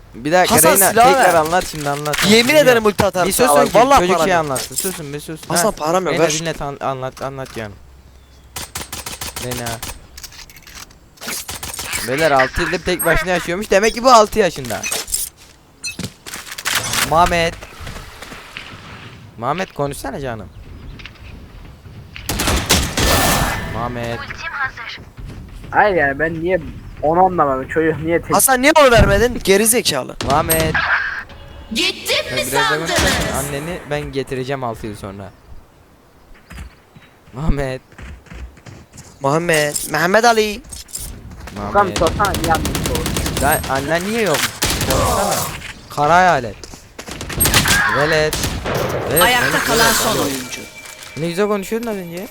Bir dakika Hasan, Reyna silah tekrar ver. anlat şimdi anlat. Yemin ederim ulti atarım. Bir susun sana ki bak. Vallahi çocuk param şey yok. anlatsın. Susun bir susun. Hasan param yok. Reyna Ver. dinle anlat canım. Reyna. Beyler 6 yıldır tek başına yaşıyormuş. Demek ki bu 6 yaşında. Muhammed konuşsana canım. Muhammed. Hayır yani ben niye onu anlamadım. Çocuk niye tek... Hasan niye onu vermedin? Geri zekalı. Muhammed. Gittim mi Biraz da sandınız? konuşsana. Anneni ben getireceğim 6 yıl sonra. Muhammed. Mehmet Ali. Furkan Muhammed. sorsana niye anlıyorsun? Lan annen niye yok? Konuşsana. Kara hayalet. Velet. Ayakta kalan son oyuncu. Ne güzel konuşuyordun az önce.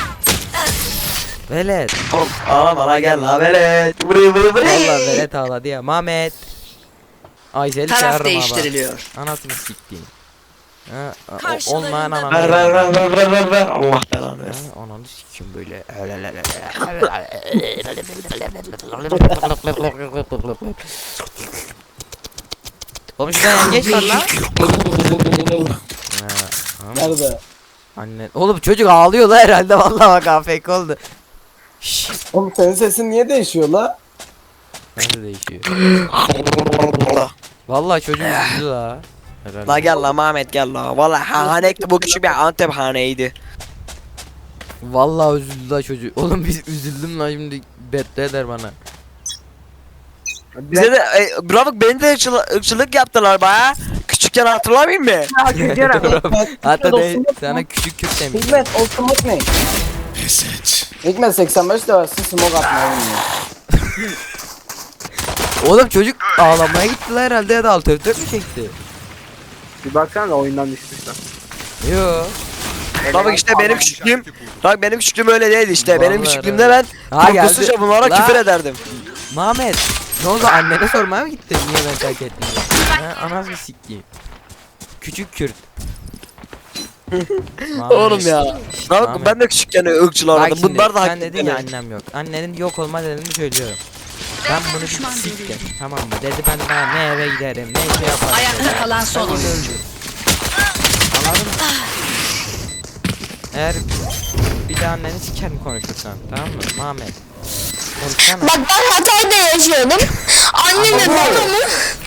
Velet. Bana gel la velet. Valla velet ağladı ya. Mehmet. Aysel'i Taraf çağırırım abi. değiştiriliyor. Anasını siktiğim. Ha, Karşılarında olmayan ananı. Ver. Allah belanı Ha, versin. ananı sikim böyle. Oğlum şuradan yengeç var lan. Nerede? Anne. Oğlum çocuk ağlıyor la herhalde vallahi bak afk oldu. Şşş. Oğlum senin sesin niye değişiyor la? Nerede değişiyor? Vallahi çocuk üzüldü la. Herhalde. La gel la Mehmet gel la. Vallahi hanekti bu küçük bir Antep haneydi. Vallahi üzüldü la çocuk. Oğlum biz üzüldüm la şimdi beddua eder bana. Bize de bravo beni de ırkçılık yaptılar baya. Küçükken hatırlamayayım mı? Hak ediyorum. Hatta de olsun, sana küçük Kürt demiş. Hikmet o smoke ne? Hikmet 85 de versin smoke atmayı bilmiyor. Oğlum çocuk ağlamaya gittiler herhalde ya da alt F4 mü çekti? Bir baksana da oyundan düşmüşler. Yo. Bak işte benim küçüklüğüm. Bak benim küçüklüğüm öyle değildi işte. Benim Vallahi küçüklüğümde ben Ha, geldi. korkusuzca bunlara La. küfür ederdim. Mehmet. Ne oldu annene sormaya mı gittin? Niye ben terk ettim? Ha, anasını sikeyim. Küçük Kürt. Mehmet. Oğlum ya. Bak Mehmet. ben de küçükken ırkçılar Bak aradım. şimdi, Bunlar da hak sen dedin ya ettiler. annem yok. Annenin yok olma nedenini söylüyorum. Ben bunu bir siktim. Tamam mı? Dedi ben daha ne eve giderim ne şey yaparım. Ayakta kalan son oyuncu. Anladın mı? Eğer bir daha anneni sikerim konuşursan tamam mı? Mehmet. Konuşsana. Bak ben Hatay'da yaşıyordum. Anneme babamı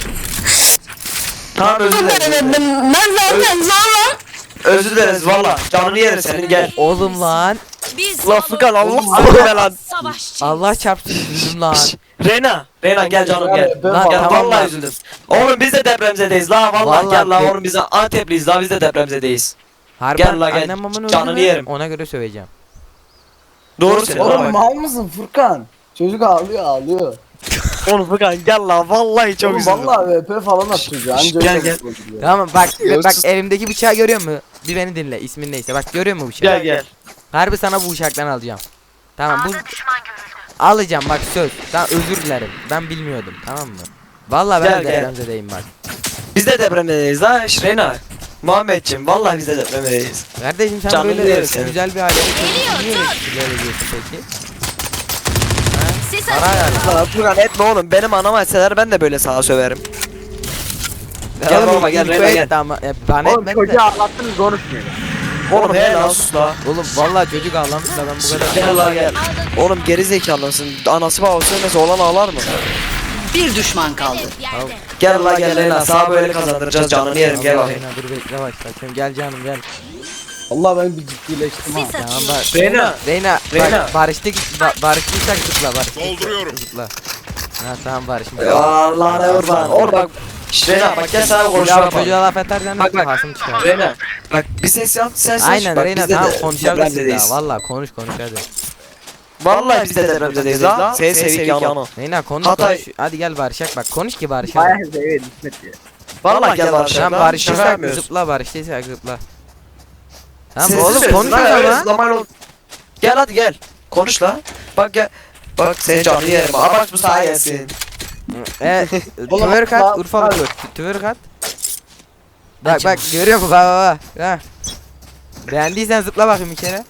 Tamam özür dileriz. söyledim. Ben zaten zorla Özür dileriz valla. Canını yerim senin gel. Oğlum lan. Biz La Furkan Allah Oğlum, seni be lan. savaşçı. Allah çarpsın üzüldüm lan. Reyna gel canım gel. Lan Gel tamam vallahi lan. üzüldüm. Oğlum biz de depremzedeyiz la vallahi, Vallahi gel la de- oğlum biz de Antepliyiz la biz de depremzedeyiz. Harbi Gel la gel. annem babamın Canını öldü mü? yerim. Ona göre söyleyeceğim. Doğru söylüyorsun. Oğlum mal mısın Furkan? Çocuk ağlıyor. Oğlum Furkan gel la vallahi çok Oğlum üzüldüm. vallahi VP falan atıyor. Anca Gel, öyle gel. oluyor. Tamam bak Yok, bak sus. elimdeki bıçağı görüyor musun? Bir beni dinle ismin neyse bak görüyor musun bıçağı? Gel. Harbi sana bu bıçaktan alacağım. Tamam bu alacağım bak söz. Tamam özür dilerim. Ben bilmiyordum tamam mı? Vallahi ben Gel, de gel. depremzedeyim bak. Biz de depremdeyiz la Reyna. Muhammedciğim vallahi biz de depremdeyiz. Kardeşim sen Canını böyle yerim senin. güzel bir ailede çocuk niye öyle küfürler ediyorsun peki? Siz Para yani. Lan Furkan etme oğlum benim anama etseler ben de böyle sana söverim. Gel baba, gel, Reyna, gel. Ama, bana Oğlum etmedi çocuğa de. ağlattınız konuşmuyor. Oğlum he lan sus la. Oğlum vallahi çocuk ağlamış da ben bu kadar. Gel la gel. Oğlum geri zekalısın. Anası babası ölmese olan ağlar mı? bir düşman kaldı. Gel la gel Reyna sana böyle kazandıracağız canını yerim gel bakayım. Reyna, dur bekle başla. Gel canım gel. Allah ben bir ciddileştim ha. Tamam bak. Reyna. Reyna, Reyna. bak, barıştıysak zıpla barıştıysak. Dolduruyorum. Zıpla. Ha tamam barışmış. Allah ne kurban. Oğlum bak. Reyna bak gel sana Ya konuşalım. çocuğa laf edersen Bak, de bak. hasım çıkar. Reyna. Bak bir ses yap sen ses. Aynen bak, Reyna biz de tamam de konuşalım siz depremzedeyiz. daha. Valla konuş hadi. Vallahi biz de depremzedeyiz la. Seni sevik yanı. Reyna konuş Hatay. konuş. Hadi gel barışak bak konuş ki barışalım. Bayağı evet İsmet diyor. Vallahi gel barışalım. Tamam Şaka barıştıysak yapmıyoruz. zıpla barıştıysak zıpla. Tamam Sessiz oğlum söylesün konuş o lan, öyle zaman. zıplamayla ol- Gel hadi gel. Konuş la. Bak gel. Bak seni canlı yerim. Aa bak bu sağa gelsin. Twerk at Urfalı dur. Twerk at. Bak görüyor musun bak. Ha. Beğendiysen zıpla bakayım bir kere.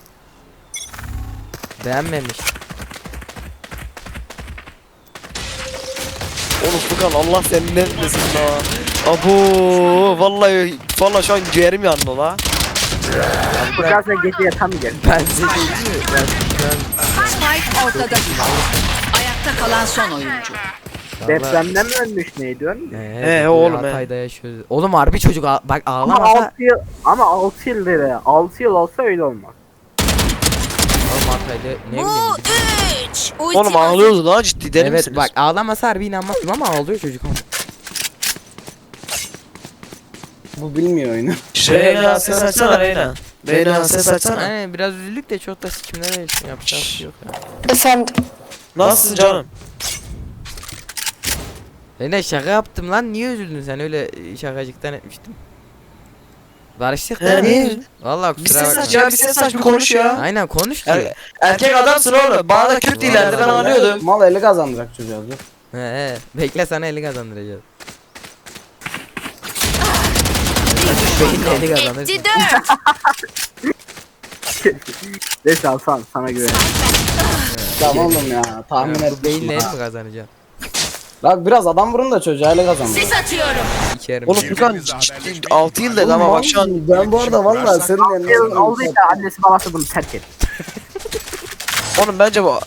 Beğenmemiş. Oğlum Furkan Allah senin ne etmesin la. Abo vallahi şu an ciğerim yandı la. Furkan sen gece yatamayacak. Ben size diyeyim mi? Spike ortada düştü. Ayakta kalan son oyuncu. Depremden mi ölmüş ne diyorsun? Oğlum, Hatay'da yaşıyoruz. Oğlum harbi çocuk bak Ama ağlamasa. 6 yıl ama 6 yıl dedi. 6 yıl olsa öyle olmaz. Oğlum Hatay'da ne bileyim. 3. Oğlum ağlıyordu lan ciddi deli Evet misiniz? bak ağlamasa harbi inanmazdım ama ağlıyor çocuk. Bu bilmiyor oyunu. Reyna ses açsana Reyna. Reyna ses açsana. Aynen biraz üzüldük de çok da sikimlere yapacak bir şey yok ya. Efendim. Nasılsın canım? Ne şaka yaptım lan niye üzüldün sen öyle şakacıktan etmiştim. Barıştık da. He niye? Vallahi Bir kusura ses bakma. aç ya bir ses aç bir konuş ya. Aynen konuş ki. Erkek adamsın oğlum. Bana da Kürt dillerdi ben anlıyordum. Mal eli kazandıracak çocuğa dur. He bekle sana 50 kazandıracağız. Beyinle 50 kazanırsın. Etti 4. Neyse Hasan sana güveniyorum. Tamam oğlum ya tahmin Bu ettim. beyinle 50 mi kazanacaksın? Bak biraz adam vurun da çocuğa eli kazandır. Sis atıyorum. İçerim. Oğlum Furkan 6 yıl dedi ama bak şu an. Ben bu arada vallahi senin 6 yıl yanına olduysa annesi babası bunu terk et. Oğlum bence bu.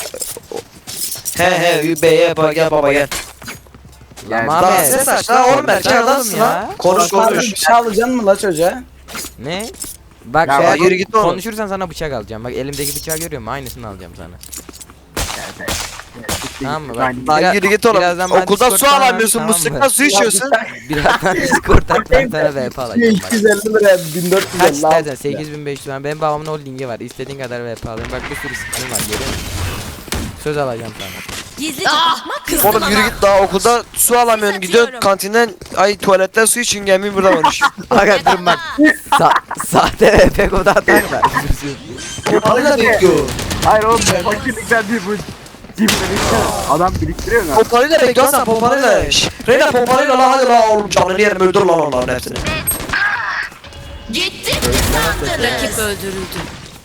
He beye bak gel baba gel. Lan Daha Ahmet. ses aç la oğlum erkek adamsın la. Konuş konuş. Bir şey alacaksın mı la çocuğa? Ne? Bak Ya eğer yürü git oğlum. konuşursan sana bıçak alacağım. Bak elimdeki bıçağı görüyor musun? Aynısını alacağım sana. Tamam mı? Bak, Ben- Lan yürü git oğlum. birazdan ben Okulda su Discord'dan alamıyorsun tamam mı? musluktan su içiyorsun. Birazdan Discord'dan ben sana VP alacağım bak. 250 liraya 1450 Kaç al. istersen 8500 lira. Benim babamın holdingi var. İstediğin kadar VP alayım. Bak bir sürü skin var görüyor musun? Söz alacağım sana. Gizlice bakmak kızdım Oğlum yürü ama. git daha okulda su alamıyorsun gidiyorsun atıyorum. kantinden ay tuvaletten su için gelmeyin burada konuş. Aga durun bak. Sahte VP kodu atarlar. Pompalıyla bekliyor. Hayır oğlum fakirlikten değil bu. Cimrilikten. Adam biriktiriyor mu? Pompalıyla bekliyorsan pompalıyla. Reyna pompalıyla lan hadi lan oğlum canını yerim öldür lan onların hepsini. Gitti mi sandınız? Rakip öldürüldü.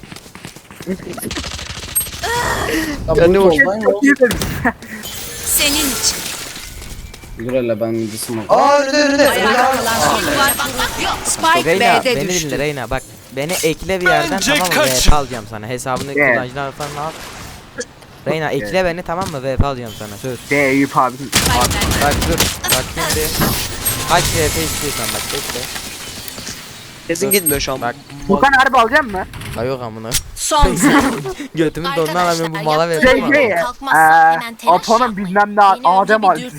Ya ne oldu? Çok iyi dedim. Senin için. Dur hele ben midisimi Aa önünde. Ayakta kalan son var. Yok. Spike Reyna B'de beni düştü. dinle Reyna bak. Beni ekle bir yerden tamam mı? VP alacağım sana. Hesabını Evet. kullanıcılar falan al. Reyna ekle beni tamam mı? VP alacağım sana söz. Eyüp abinin. Bak dur. Bak şimdi. Kaç VP istiyorsan bak bekle. Kesin gitmiyor şu an. Bak. Furkan harbi alacak mı? Ha yok amına. Son sayı. Götümün donunu alamıyorum bu mala Arkadaşlar, VP mi? Şey Apo'nun bilmem ne Adem abi.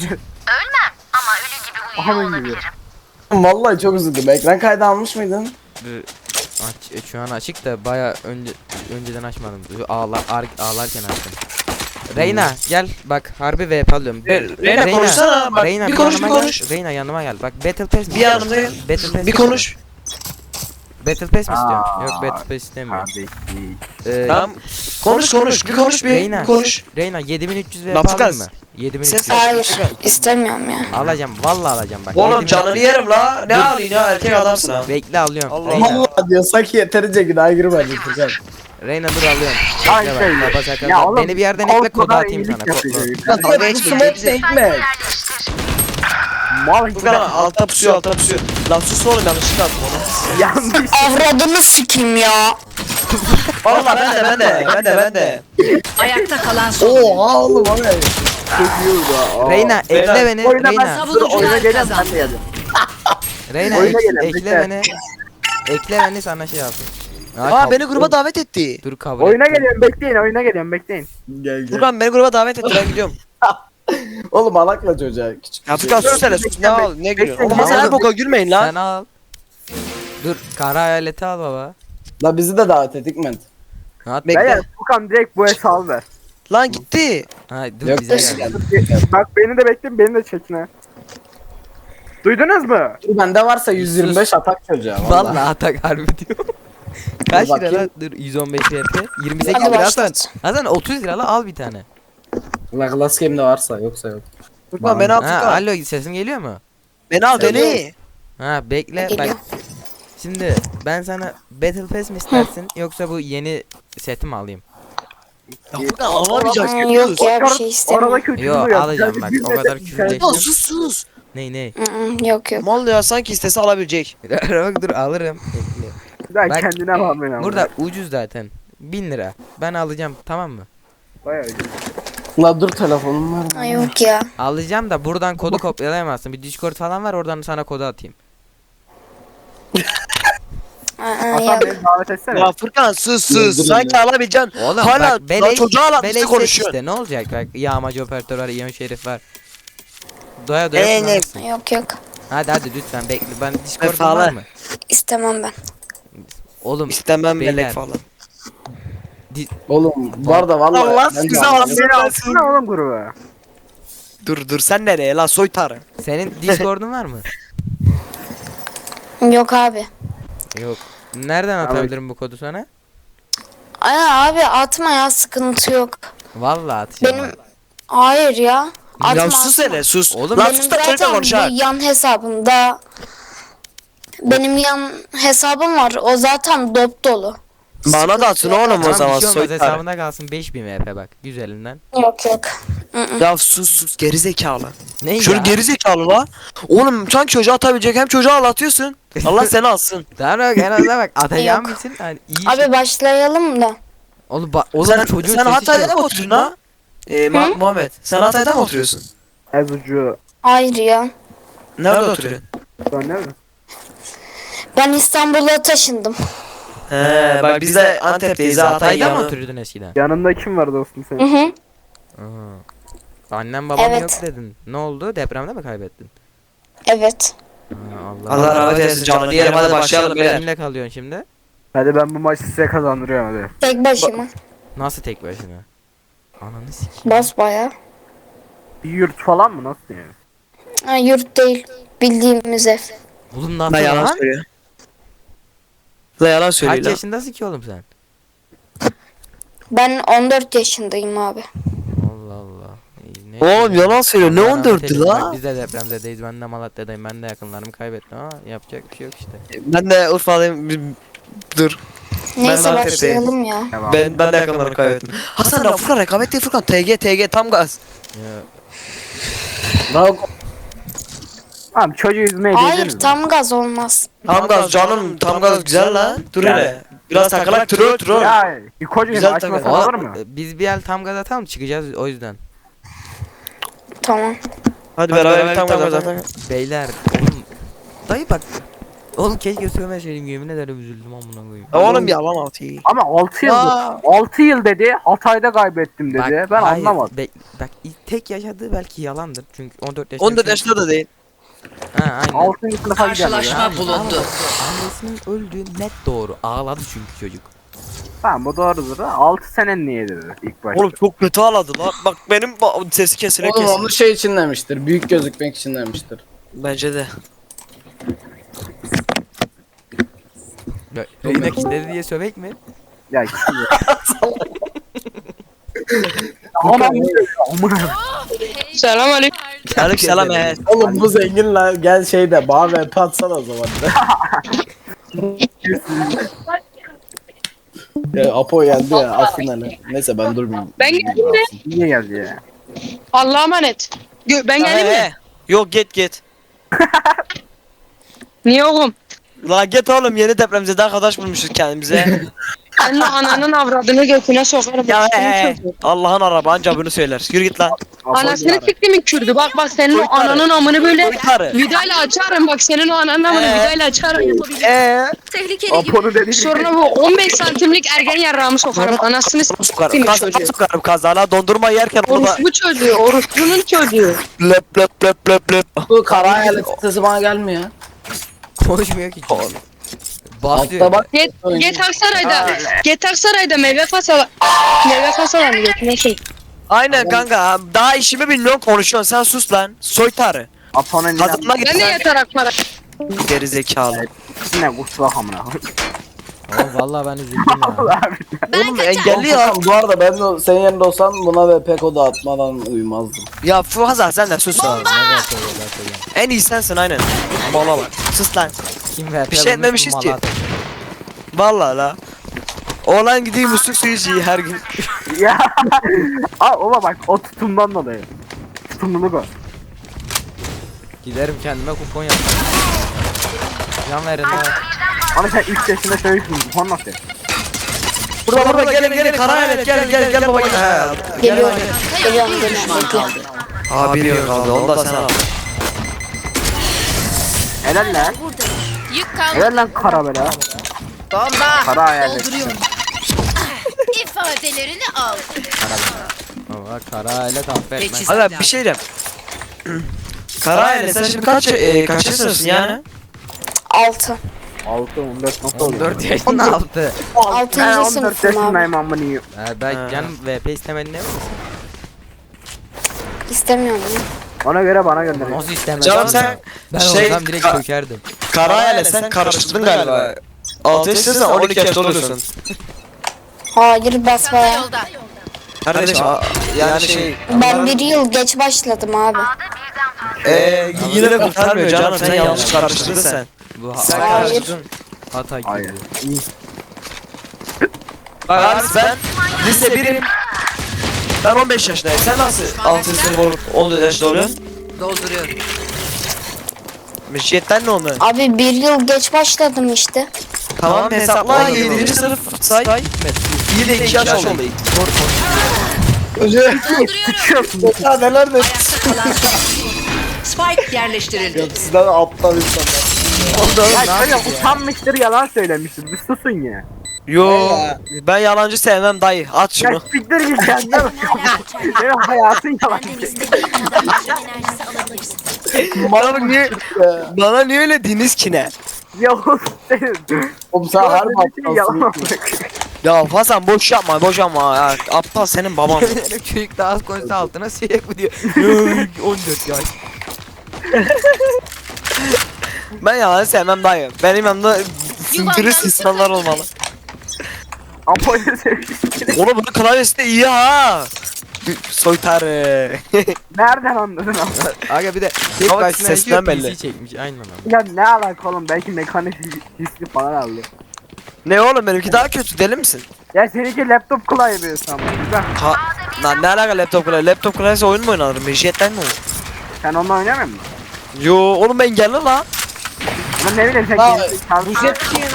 Onun gibi. Vallahi çok üzüldüm. Ekran kaydı almış mıydın? Şu an açık da baya önceden açmadım. Ağlarken açtım. Reyna gel bak harbi VP alıyorum. Reyna konuşsana bak Reyna bir konuş bir yanıma konuş. Gel. Reyna yanıma gel. Bak Battle Pass mi? Bir yanımda gel. Battle Pass Bir konuş. Battle Pass mi istiyorum? Aa. Yok Battle Pass istemiyorum. Kardeş. Tamam. Konuş bir konuş bir Reyna. konuş. Reyna 7300 Lafı VP alayım kes. mı? 7300. Ses Hayır. istemiyorum ya. Alacağım vallahi alacağım bak. Oğlum 7300. canını yerim la. Ne alayım ya erkek adamsın ha. Bekle alıyorum. Allah Reyna. Vallahi diyor sanki yeterince günah girmedi Furkan. Reyna dur alıyorum. Ay Bekle şey. bak. Baba sakal. Ya oğlum, Beni bir yerden ekle kod Avrupa'da atayım sana. iyilik yapıyor Kodlu. çocuk. Dalga Bu geçme, smoke bize- ekmek. Mal Furkan alta pusuyor alta pusuyor. Lan sus oğlum yanlışlıkla attım onu. yanlış. Avradını sikeyim ya. Valla ben de. Ayakta kalan son. Oha oğlum o ne? Reyna ekle beni. Oyuna ben Reyna. dur oyuna Savunucular geleceğim kazandı. ben de geldim. Reyna Oyuna gelin, ekle bekle. beni. Ekle beni sana şey yapayım. Aa beni gruba davet etti. Dur kabul Oyuna et. geliyorum bekleyin oyuna geliyorum bekleyin. Gel gel. Furkan beni gruba davet etti ben gidiyorum. Oğlum alakla çocuğa. Küçük Ya bir şey. Furkan sus hele sus ne al ne gülüyorsun. Oğlum Bekle. sen her boka gülmeyin lan. Sen al. Dur kara hayaleti al baba. La bizi de davet et Hikmet. At Bekle. Beyler Furkan direkt bu hesabı ver. Lan gitti. Ha dur Yok, bize hoş gel. Bak beni de bekleyin beni de çekin ha. Duydunuz mu? Bende varsa 125 atak çocuğa. Vallahi atak harbi diyor. Kaç lira bakayım. lan? Dur 115 VP. 28 Hadi lira Hasan. başlat. Hasan 30 lira al bir tane. La Glass Game'de varsa yoksa yok. Furkan beni al Ha Furkan. alo sesim geliyor mu? Beni al beni. Ha bekle Geliyor. bak. Şimdi ben sana Battle Pass mi istersin yoksa bu yeni seti mi alayım? Ya Furkan alamayacak. Yok ya bir şey Arada istemiyorum. kötü Yo duruyor. alacağım Sadece bak bir o metre kadar içeride- küfürleştim. Ya sus. Ney. Yok yok. Mal ya sanki istese alabilecek. Bak dur alırım. Bekle. Ben Bak, kendine bakmıyorum. Burada ucuz zaten. 1000 lira. Ben alacağım tamam mı? Bayağı ucuz. La dur telefonum var. Ay, yok ya. Alacağım da buradan kodu kopyalayamazsın. Bir Discord falan var oradan sana kodu atayım. Hasan Yok. beni davet etsene. Ya Furkan sus Dur, sanki alabileceksin. Oğlum Hala bak beleş, çocuğa beleş alatmıştı set konuşuyorsun. işte ne olacak bak yağmacı operatör var, Ion Şerif var. Doya doya Ne? kullanırsın. Yok. Hadi lütfen bekle ben Discord'um Vefalı. var mı? İstemem ben. Oğlum İstemem Beyler. melek falan. Oğlum bu arada vallahi. Allah ben de size anlamadım. alsın. Beni alsana oğlum gruba. Dur sen nereye la soytarı. senin Discord'un var mı? Yok abi. Yok. Nereden atabilirim bu kodu sana? Ay abi atma ya sıkıntı yok. Vallahi atacağım. Benim hayır ya. Atma. Ya sus hele sus. Oğlum, Lan Benim sus da çocukla zaten konuş ha. bu yan hesabımda benim yan hesabım var. O zaten dop dolu. Bana da atın oğlum o Tamam, zaman bir şey olmaz soytarı. hesabında kalsın 5000 VP bak güzelinden. Yok. Ya sus gerizekalı. Ne Şöyle ya? gerizekalı la. Oğlum sen çocuğa atabilecek hem çocuğa ağlatıyorsun. Allah seni alsın. Tamam bak en azından bak atacağım Yok. bilsin. Hani iyi şey. Abi başlayalım da. Oğlum sen çocuğun sen sesi Hatay'da şey- mı oturuyorsun ha? Muhammed sen Hatay'da mı oturuyorsun? Ezucu. Hayır ya. Nerede oturuyorsun? Sen ne mi? Ben İstanbul'a taşındım. He bak biz de Antep'teyiz Hatay Hatay'da mı yanı. oturuyordun eskiden? Yanında kim var dostum Hı senin? hı. Aha. Annem babam Evet. yok dedin. Ne oldu? Depremde mi kaybettin? Evet. Allah Allah rahmet eylesin canını yerim hadi başlayalım beyler. Kimle kalıyorsun şimdi? Hadi ben bu maçı size kazandırıyorum hadi. Tek başıma. Nasıl tek başına? Ananı sikeyim. Basbaya. Bir yurt falan mı? Nasıl yani? Ha, yurt değil. Bildiğimiz ev. Oğlum La nasıl yalan lan? söylüyor. La yalan söylüyor Kaç lan. yaşındasın ki oğlum sen? Ben 14 yaşındayım abi. Allah Allah. İyi, ne- Oğlum yalan söylüyor ne Allah rahmet 14'tü eylesin. Bak, la? Biz de depremzedeyiz. Ben de Malatya'dayım. Ben de yakınlarımı kaybettim ama yapacak bir şey yok işte. Ben de Urfa'dayım. Dur. Neyse Antep'teyim. başlayalım ya. Tamam. Ben de yakınlarımı kaybettim. Hasan da Furkan rekabet değil Furkan. TG tam gaz. Ya, Bravo. Tamam çocuğu yüzmeye Hayır girdiniz mi? tam gaz olmaz. Tam gaz canım tam gaz güzel lan. Dur hele. Biraz takılak troll. Ya koca Güzel açmasın takım. olur mu? biz bir el tam gaz atalım çıkacağız o yüzden. Tamam. Hadi beraber tam gaz zaten. Beyler oğlum. Dayı bak. Oğlum keşke söylemeseydim yemin ederim üzüldüm amına koyayım. Oğlum yalan altı. Ama 6 yıl Ya. 6 yıl dedi. Hatay'da kaybettim dedi. Bak, Ben hayır, anlamadım. bak tek yaşadığı belki yalandır çünkü 14 yaşında. 14 yaşında da değil. Ha aynen. 6. sınıfa gidiyor. Karşılaşma bulundu. Annesinin öldüğü net doğru. Ağladı çünkü çocuk. Tamam bu doğrudur da 6 senen niye dedi ilk başta. Oğlum çok kötü ağladı lan. Bak benim sesi kesile Oğlum kesin. onu şey için demiştir. Büyük gözükmek için demiştir. Bence de. Reyna kitledi diye sövek mi? Ya kim ya? Aman amına. Selam aleyküm. Aleykümselam he. Oğlum bu zengin lan gel şeyde bana VP atsana o zaman. Ya Apo yendi ya aslında hani. Neyse ben durmayayım. Ben geldim de. Niye geldi ya? Allah'a emanet. Ben geldim He, mi? he. Yok git. Niye oğlum? La git oğlum yeni depremzede arkadaş bulmuşuz kendimize. Senin ananın avradını götüne sokarım. Ya Senin he. çocuğun. Allah'ın araba anca bunu söyler. Yürü git lan. Anasını siktimin Kürdü. Bak senin o Soytarı. ananın amını böyle Soytarı. vidayla açarım. Bak senin o ananın amını vidayla açarım. Apo'nun dediği Sonra bu 15 santimlik ergen yarrağımı sokarım. Anasını siktimin çocuğu. Sokarım kazana dondurma yerken orada Orospu çocuğu. Orospunun çocuğu. löp löp löp löp löp. Bu kara hayalet sesi bana gelmiyor. Konuşmuyor ki çocuk. Basıyor. Altta bak. Get Aksaray'da meyve fasalarını götüne sok. Aynen kanka daha işimi bilmiyorum konuşuyorsun sen sus lan. Soytarı. Apo'nun Kazanma git Ben de lan. yeter akmara. Geri zekalı. yine kusura amına. Oğlum vallahi ben üzüldüm ya. Oğlum engelli ya. Bu arada ben de senin yerinde olsam buna VP kodu atmadan uyumazdım. Ya Fuhazar sen de sus lan. Ne kadar söylüyorlar. En iyi sensin aynen. Bana bak. Sus lan. Kim verdi? Bir şey etmemişiz ki. Vallahi la. Oğlan gideyim musluk suyu içiyor her gün. Ya. Aa ola bak o tutumdan dolayı. Tutumluluk o. Giderim kendime kupon yaparım. Can verin ha. Ama sen 3 yaşında çocuksun. Bu nasıl? Burada gelin kara hayalet gel baba gel. He. Geliyorum. Geliyorum. Bir düşman kaldı. Aa bir yok kaldı onu da sen al. Helal lan. Yük kaldı. Helal lan kara böyle. Bomba. Kara hayalet. Dolduruyorum. İfadelerini al. Ama kara alet affetmez. Teçhiz. Hadi bir şey diyeceğim. Kara hayalet sen şimdi kaç sınıfsın yani? 6. 6 14 nasıl oluyor? 14 yaşında altı. 6. Ben 14 sınıfım abi. yaşındayım amına yiyeyim. Ben Ha. canım VP istemedin değil mi? İstemiyorum ya. Ona göre bana gönder. Nasıl istemedin? Canım sen Ben şey- olsam direkt çökerdim. kara hayalet sen karıştırdın galiba. 6 yaşındasın 12 yaşında oluyorsun. Hayır basmaya. Yolda. Kardeşim yani şey Ben 1 yıl geç başladım abi. yine de kurtarmıyor canım sen yanlış karıştırdın sen. Bu Sen Hayır. karıştırdın. hata gibi. Hayır. Bak abi ben lise 1'im. Ben 15 yaşındayım. Sen nasıl 6 sınıf olup 14 yaşında oluyorsun? Dolduruyorum. Müşriyetten ne oldu? Abi 1 yıl geç başladım işte. Tamam hesapla 7. sınıf say. İyi de 2 yaş oldu. Sıçıyorsun. Ya neler de Ayakta kalan son. Spike yerleştirildi. sizden aptal insanlar. Ya şöyle utanmıştır yalan söylemiştir. Bir susun ya. Yo ben yalancı sevmem dayı. At Ya şunu. siktir git kendine bak. Benim hayatın yalan. Bana niye öyle diniz ki ne? Yavuz senin. Oğlum sen her Yalan aptalsın. Ya Hasan boş yapma ya. Aptal senin baban. Çocuk daha az konuşsa altına siyek mi diyor. 14 yaş. Ben yalan sevmem dayı. Benim yanımda dürüst insanlar olmalı. Apo'yu sevmişsin. Oğlum bunun klavyesi de iyi ha. Soytarı. Nereden anladın ama? Aga bir de tek Ama başına sesinden yaşıyor belli. PC çekmiş aynen abi. Ya ne alaka oğlum belki mekanik hisli falan aldı. Ne oğlum benimki daha kötü deli misin? Ya seninki laptop klavye sanırım. Güzel. Ha, lan ne alaka laptop klavye? Laptop klavyesi oyun mu oynanır? Mecliyetten mi olur? Sen onunla oynamıyor musun? Yo oğlum ben geldi la. Ama ne bileyim sen Ya, kendin Bu jet kim?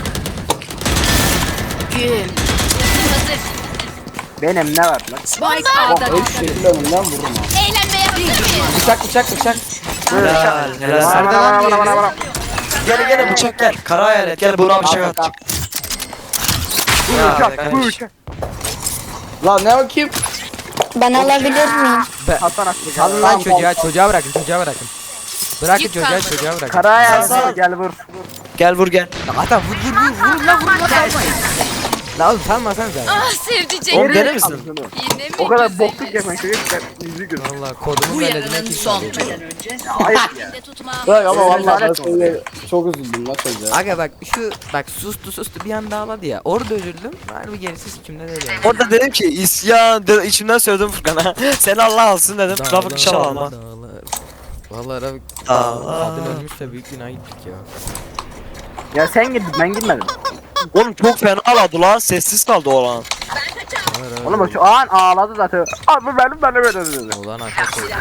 Benim ne var lan? Spike A'da Öyle şekilde önümden vururum ha. Eğlenmeye hazır mıyız? Bıçak. Helal helal. Bana. Gel bıçak gel. Kara hayalet gel buna bıçak at. Uçak, bu uçak. Lan ne o kim? Ben alabilir miyim? Hasan Aklı. Alın lan çocuğa bırakın bırakın. Bırakın Yük çocuğa kalmadı. bırakın. Karaya Hasan. gel vur. Gel vur gel. Hatta vur lan salmayın. Lan oğlum salmasan sen. Ah sevdicek. Oğlum deli misin? Yine mi O kadar güzel? bokluk yapan çocuk ben yüzü gör. Valla kodumu Bu veledine yarının kim son çalıyor? turu. Ayıp ya. Elinde tutma. Bırak ama vallahi ben Lanet şöyle çok üzüldüm la çocuğa. Aga bak sustu bir anda ağladı ya. Orada üzüldüm. Harbi gerisi sikimde değil yani. Orada dedim ki isyan içimden söyledim Furkan'a. Seni Allah alsın dedim. Rafık inşallah alma. Valla Rafık Dağlar. kadın ölmüş de büyük günah gittik ya. Ya sen gittin ben gitmedim. Oğlum çok fena ağladı lan. Sessiz kaldı oğlan. Oğlum o şu an ağladı zaten. Abi bu benim dedi. Ulan arkadaşlar.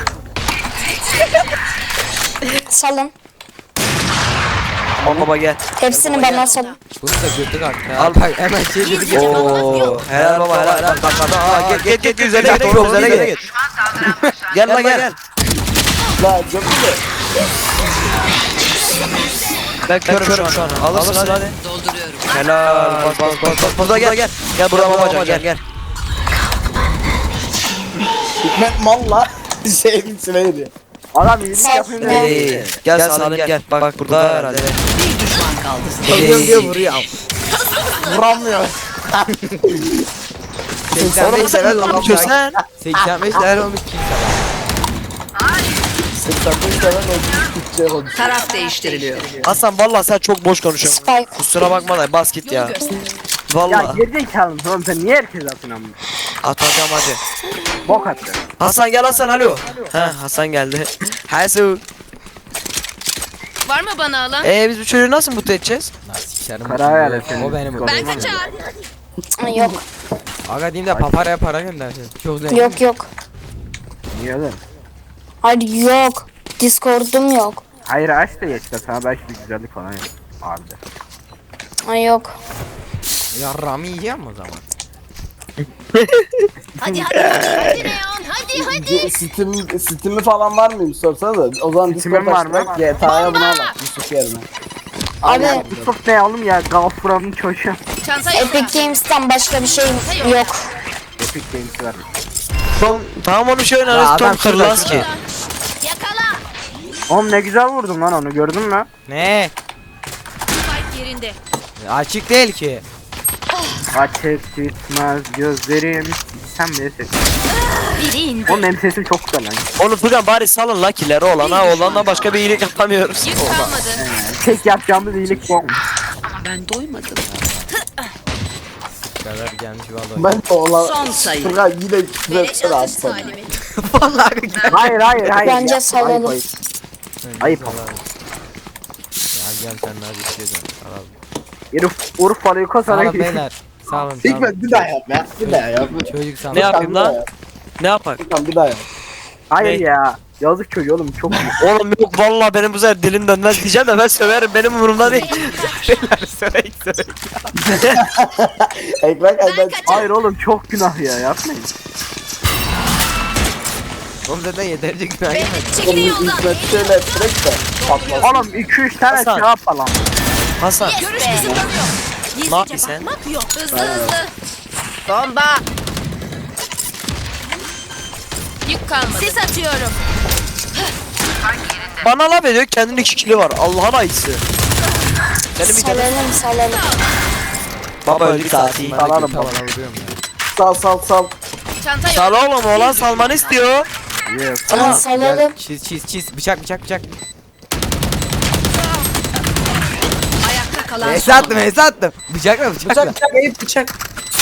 Salın. Aman baba gel. Hepsini bana salın. Bunu da gördük artık. Al. Bak hemen şey dedi geç. Oo, helal baba helal. Aa, git üzerine git. Doğru üzerine git. Gel la gel. La gömü de. Ben körüm şu an. Alırsın hadi. Dolduruyorum. Helal. Bas. Burada gel. Gel buraya babacan gel. Hikmet mal la. Şeyin içine gidiyor. Adam iyilik Sağ- yapıyor. Hey, gel Salim gel. Bak burada herhalde. Bir düşman kaldı. Ölüyorum diye vuruyor. Vuramıyor. 85 level olmuş. Sen 85 level olmuş kimse. 85 tane Türkçe konuşuyor. Taraf değiştiriliyor. Hasan vallahi sen çok boş konuşuyorsun. Spike. Kusura bakma da bas git ya. Ya Vallahi gerizekalı mısın oğlum sen niye herkes atın amma? atacağım hadi. Bok attı. Hasan gel Hasan alo. Ha Hasan geldi. Hasan. Var mı bana alan? Biz bu çocuğu nasıl mutlu edeceğiz? Lan sikerim. Karar ver efendim. O benim. Ben kaçar. Yok. Aga diyeyim de paparaya para göndersin. Çok zengin. Yok yok. Niye lan? Hayır yok. Discord'um yok. Hayır aç da geç de sana belki bir güzellik falan yap. Abi. Ay yok. Yarrağımı yiyeceğim o zaman. Hadi Neon hadi. Steam'i falan var mıyım sorsanıza. O zaman Steam'im Discord var mı? açtık. GTA'ya buna bak Yusuf yerine. Abi Çok ne oğlum ya Gafura'nın çocuğu. Çanta yok. Epic Games'ten başka bir şey yok. Epic Games var. Tamam onu şöyle Ya oynarız adam Tom kırılmaz ki. Yakala. Oğlum ne güzel vurdum lan onu gördün mü? Ne? Spike yerinde. Açık değil ki. Açık gitmez gözlerim. Sen bile ses. Biri indi. Oğlum benim sesim çok güzel lan. Onu Furkan bari salın Lucky'leri olana başka bir iyilik yapamıyoruz. Yük kalmadı. Tek yapacağımız iyilik bu. Ben doymadım. Bu kadar gelmiş vallahi. Ben de olan... Son sayı. Furkan yine küfür Beleş etsene atış atsana. talimi. Vallahi gel. Hayır. Bence Ya, salalım. ayıp. Ayıp. Ya gel sen ne istiyorsun? Alalım. Herif Urfalı'yı Sağ kasana olun ki. beyler. Sağ olun. Hikmet bir daha yap ya. Bir daha yap. Çocuk sana. Ne yapayım Bir daha lan? yap. Ne yapak? Furkan bir daha yap. Hayır Ne? ya. Yazık çocuğu oğlum çok iyi. Oğlum yok vallahi benim bu sefer dilim dönmez diyeceğim de ben söverim benim umurumda değil. Beyler sörek. Ekmek elden. Hayır oğlum çok günah ya yapmayın. Oğlum zaten yeterince günah Beni yemedim. çekilin yoldan. Hikmet şöyle ettirek de patlasın. Oğlum 2-3 tane Hasan. şey yapalım. Hasan Görüş kısıtlanıyor. ne Gizlice yapıyorsun sen? bakmak yok. Hızlı. Bomba. Yük kalmadı. Sis atıyorum. Bana laf ediyor kendinin 2 kili var Allah'ın ayısı. Benim bir tane Salalım. baba öldük saati. Salalım Tavala baba. vuruyorum ya. Sal. Çanta yok. Sal oğlum oğlan salmanı istiyor. Yes. Tamam salalım. Çiz. Bıçak. Ayakta kalan Hesa son. attım. Bıçakla. Bıçak Eyüp bıçak.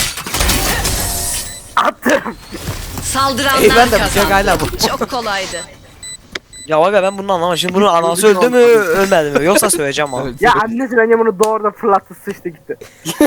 Saldıranlar Ben de bıçak kazandı. hala bu. Çok kolaydı. Ya aga ben bunu anlamadım. Şimdi bunun anası öldü mü ölmedi mi? Yoksa söyleyeceğim ama. Ya annesi bence bunu doğrudan fırlattı sıçtı gitti.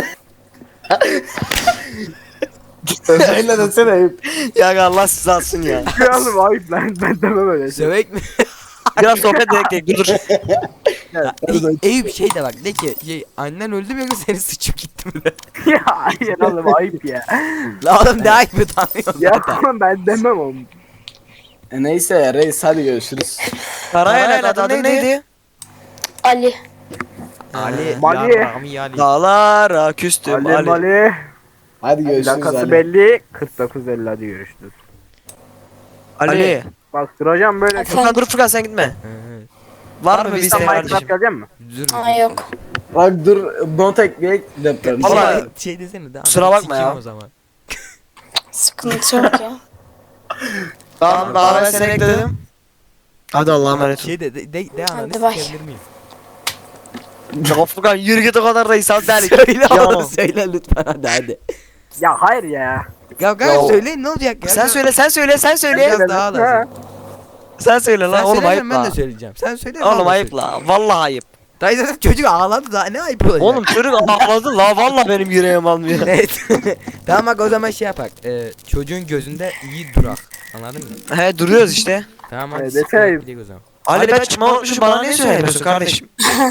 Öyle desene Eyüp. Ya aga Allah sizi alsın ya. Ya oğlum ayıp lan ben demem öyle şey. Sövek mi? Biraz sohbet edelim dur. Eyüp şey de bak de ki annen öldü mü yoksa seni sıçıp gitti mi de. Ya hayır oğlum ayıp ya. La oğlum ne ayıp tanıyorsun Ya zaten. tamam ben demem oğlum. Neyse ya reis hadi görüşürüz. Karayel adın neydi? Ali. Ali. Mali. Yarrağımı Ali. Dağlara küstüm Ali Ali. Mali. Hadi görüşürüz Dakikası Ali. belli 49.50 hadi görüşürüz. Ali. Bak duracağım böyle. Furkan dur Furkan sen gitme. Hı. Var mı bir Sen isteğin Minecraft kardeşim? gelecek mi? Dur. Ay yok. Bak dur not ekleyek deprem. Vallahi- Vallahi şey desene de. Kusura ananı bakma sikeyim ya. O zaman. Sıkıntı yok ya. Tamam daha ben seni ekledim. Hadi Allah'a emanet ol. Şey de ananı Hadi bay. sikebilir miyim? Ya Furkan yürü git o kadar da insan der. Söyle Ya. oğlum söyle lütfen hadi. Ya hayır ya. Ya kanka söyleyin ne olacak ya? Sen söyle sen söyle. Biraz daha Ha. lazım. Sen söyle Sen lan oğlum ayıp söylesen ben de la. söyleyeceğim. Sen söyle. Oğlum ayıp la. Vallahi ayıp. Dayı zaten çocuk ağladı daha ne ayıp olacak? Oğlum çocuk ağladı la vallahi benim yüreğim almıyor. Evet. Tamam bak o zaman şey yapak. Çocuğun gözünde iyi durak. Anladın mı? He duruyoruz işte. Tamam hadi. Evet, siktir detay. gidelim o zaman. Ali ben çıkma unutmuşum bana niye söylemiyorsun kardeşim?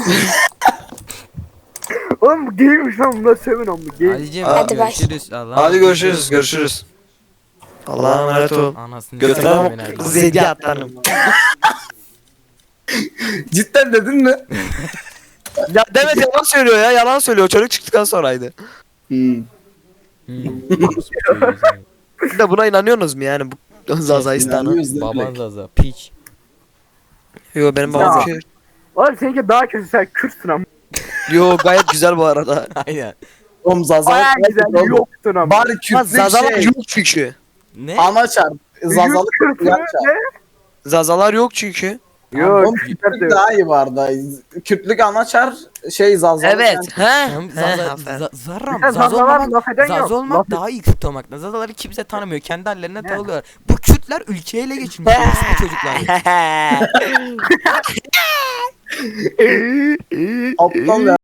Oğlum bu geymiş lan bunlar sevin onu gey. Ali'cim Hadi bay. görüşürüz. Allah'a Hadi emanet görüşürüz görüşürüz. Allah'a emanet ol. ol. Anasını Götüne sikeyim bak beni. zedi atlarım. Cidden dedin mi? Ya Demet yalan söylüyor ya yalan söylüyor çocuk çıktıktan sonraydı. Hmm. Siz de buna inanıyorsunuz mu yani bu Zazaistan'a? İnanıyoruz değil mi? Baban Zaza piç. Yo benim babam Ya. Kürt. Oğlum seninki daha kötü sen Kürtsün ama. Yo gayet güzel bu arada. Aynen. Oğlum Zaza. Baya güzel yoktun ama. Bari Lan Kürtlük Zazalar şey. yok çünkü. Ne? Anaçar. Zazalı Kürt'ü Kürtlük ne? Zazalar yok çünkü. Yok Oğlum Kürtler de Kürtlük yok. daha iyi vardı. Kürtlük anaçar şey Zazalı. Evet. He? Hem He, Zaza, aferin. Zarram. Ya Zaza Zazalar olmak, laf eden yok. Zaza olmak Laf- daha iyi Kürt olmaktan. Zazaları kimse tanımıyor. Kendi hallerine takılıyorlar. Bu Kürtler ülkeyi ele geçirmiş. Bu çocuklar. Aptal ya.